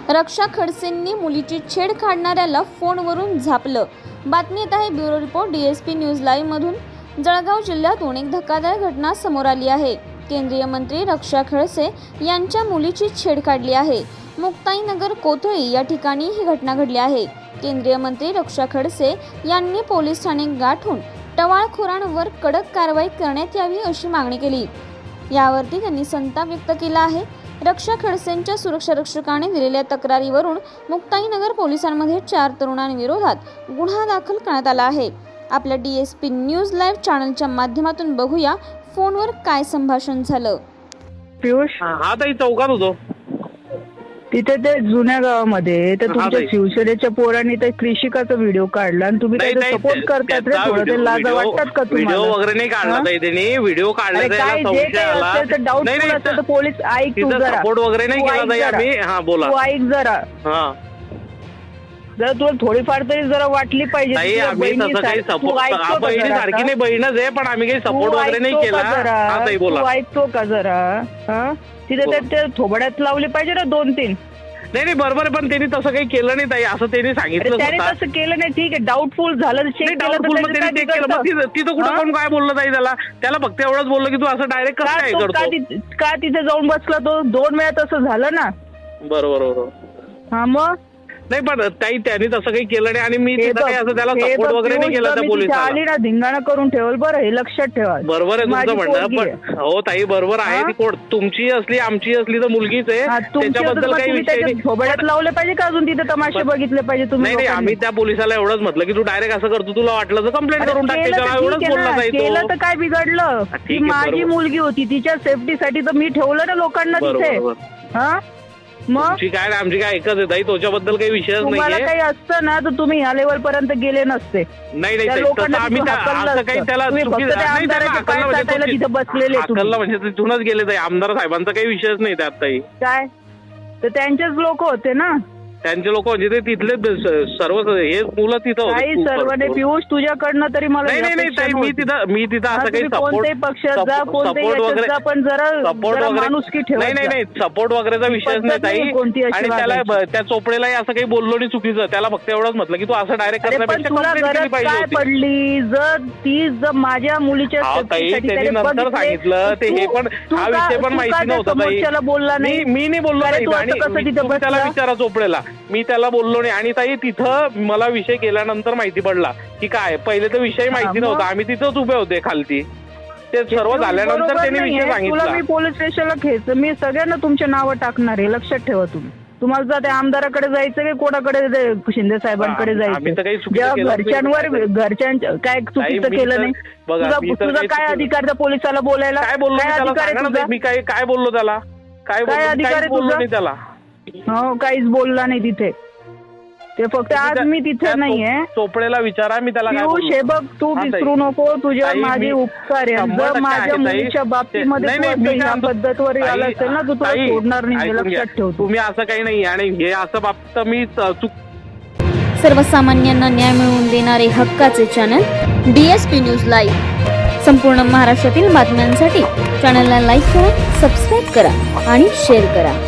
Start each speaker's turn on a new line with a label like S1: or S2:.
S1: रक्षा खडसेंनी मुलीची छेड काढणाऱ्याला फोनवरून झापलं। बातमी येत आहे bureau report DSP news live मधून। जळगाव जिल्ह्यातून एक धक्कादायक घटना समोर आली आहे। केंद्रीय मंत्री रक्षा खडसे यांच्या मुलीची छेड काढली आहे। मुक्ताईनगर कोथळी या ठिकाणी ही घटना घडली आहे। केंद्रीय मंत्री रक्षा खडसे यांनी पोलीस ठाणे गाठून टवाळखोरांवर कडक कारवाई करण्यात यावी अशी मागणी केली। यावरती त्यांनी संताप व्यक्त केला आहे। रक्षा खडसेंच्या सुरक्षा रक्षकाने दिलेल्या तक्रारीवरून मुक्ताईनगर पोलिसांमध्ये 4 तरुणांविरोधात गुन्हा दाखल करण्यात आला आहे। आपल्या DSP न्यूज लाईव्ह चॅनलच्या माध्यमातून बघूया फोनवर काय संभाषण झालं।
S2: पियुष
S3: हा ताई चौकात होतो
S2: तिथे ते जुन्या गावामध्ये तर तुमच्या शिवसेनेच्या पोरांनी ते कृषिकाचा व्हिडिओ काढला आणि तुम्ही त्याचा सपोर्ट करतात रे। थोडं ते लाज वाटतात का तुम्हाला?
S3: व्हिडिओ वगैरे नाही काढला ताई त्यांनी, व्हिडिओ काढला
S2: काय जे काही असेल तर डाऊटफुल असेल तर पोलीस ऐक तू जरा,
S3: सपोर्ट वगैरे नाही केला ताई आम्ही। हा बोला,
S2: तू ऐक जरा।
S3: हा
S2: जर तुला थोडीफार तरी जरा वाटली पाहिजे
S3: ताई आम्ही तसं काही सपोर्ट, बहिणी सारखी नाही, बहीणच आहे, पण आम्ही काही सपोर्ट वगैरे नाही केला। हा ताई बोला,
S2: तू ऐकतो का जरा? हा तिथे ते थोबड्यात लावली पाहिजे ना 2-3।
S3: नाही बरोबर आहे, पण त्यांनी तसं काही केलं नाही ताई, असं त्यांनी सांगितलं।
S2: त्याने तसं केलं नाही, ठीक आहे, डाऊटफुल झालं, चेक केलं,
S3: तिथं कुठं कोण काय बोललं ताई त्याला फक्त एवढंच बोललं की तू असं डायरेक्ट कसं काय करतो
S2: का तिथे जाऊन बसला तो? 2 वेळा तसं झालं ना।
S3: बरोबर
S2: हा मग
S3: नाही, पण ताई त्यांनी तसं काही केलं नाही आणि मी तिथं काही असं त्याला सपोर्ट वगैरे नाही केला त्या पोलिसाला।
S2: आली ना धिंगाणा करून ठेवल, बरं हे लक्षात ठेवा।
S3: बरोबर आहे तुमचं म्हणणं, पण हो ताई बरोबर आहे, ती तुमची असली आमची असली तर मुलगीच आहे, त्याच्याबद्दल काही विषय नाही।
S2: थोबड्यात लावले पाहिजे का अजून तिथे तमाशे बघितले पाहिजे तुम्ही?
S3: नाही आम्ही त्या पोलिसाला एवढंच म्हटलं की तू डायरेक्ट असं करतो, तुला वाटलं तर कंप्लेंट करून टाक, एवढंच बोलला ताई तो।
S2: केलं तर काय बिघडलं? ती माझी मुलगी होती, तिच्या सेफ्टीसाठी तर मी ठेवलं ना लोकांना तिथे। हा मग
S3: काय आमची काय एकच आहे ताई, त्याच्याबद्दल काही विषयच नाही।
S2: तुम्हाला काही असतं ना तर तुम्ही या लेवल पर्यंत गेले नसते।
S3: नाही आम्ही असं काही त्याला
S2: बसलेले
S3: म्हणजे तिथूनच गेले ताई, आमदार साहेबांचा काही विषयच नाही त्यात ताई।
S2: काय तर त्यांचेच लोक होते ना,
S3: त्यांचे लोक म्हणजे ते तिथले सर्व हे मुलं तिथं
S2: काही सर्वने। पियुष तुझ्याकडनं तरी मला
S3: नाही मी तिथं असं काही
S2: कोणत्याही पक्षात जा, कोणत्याही वगैरे पण जरा माणुसकी ठेवा।
S3: नाही सपोर्ट वगैरेचा विषयच नाही ताई, आणि त्याला त्या चोपडेलाही असं काही बोललो नाही चुकीचं, त्याला फक्त एवढंच म्हटलं की तू असं डायरेक्ट करण्यापेक्षा कंप्लेंट केली पाहिजे
S2: काय पडली? जर माझ्या मुलीच्या
S3: त्यांनी नंतर सांगितलं ते, हे पण हा विषय पण माहिती नव्हता ताई,
S2: बोलला नाही,
S3: मी नाही बोललो नाही, त्याला विचारा चोपडेला, मी त्याला बोललो नाही। आणि ताई तिथं मला विषय केल्यानंतर माहिती पडला की काय, पहिले तर विषय माहिती नव्हता, आम्ही तिथंच उभे होते खालती, ते सर्व झाल्यानंतर त्यांनी विषय सांगितला।
S2: मी पोलीस स्टेशनला खेच, मी सगळ्यांना तुमचे नावं टाकणार आहे, लक्षात ठेवा तुम्ही। तुम्हाला जर त्या आमदाराकडे जायचं की कोणाकडे, शिंदे साहेबांकडे जायचं, घरच्यांच्या काय चुकीचं केलं नाही? तुझा काय अधिकार त्या पोलिसाला बोलायला?
S3: काय बोललो मी? काय बोललो त्याला? काय अधिकार आहे त्याला?
S2: हो काहीच बोलला नाही तिथे, ते फक्त आज मी तिथे नाहीये।
S3: चोपडेला विचारा, मी त्याला
S2: हे बघ, तू विसरू नको, तुझ्या माझे उपकार आहे। जर माझ्या मुलीच्या बाबतीमध्ये ह्या पद्धतीवर आला असेल ना, तू तुला सोडणार नाही, लक्षात ठेव
S3: तुम्ही। असं काही नाही, आणि हे असं बाबतीत मी
S1: सर्वसामान्यांना न्याय मिळवून देणारे हक्काचे चॅनल DSP न्यूज लाईव्ह। संपूर्ण महाराष्ट्रातील बातम्यांसाठी चॅनलला लाईक करा, सबस्क्राईब करा आणि शेअर करा।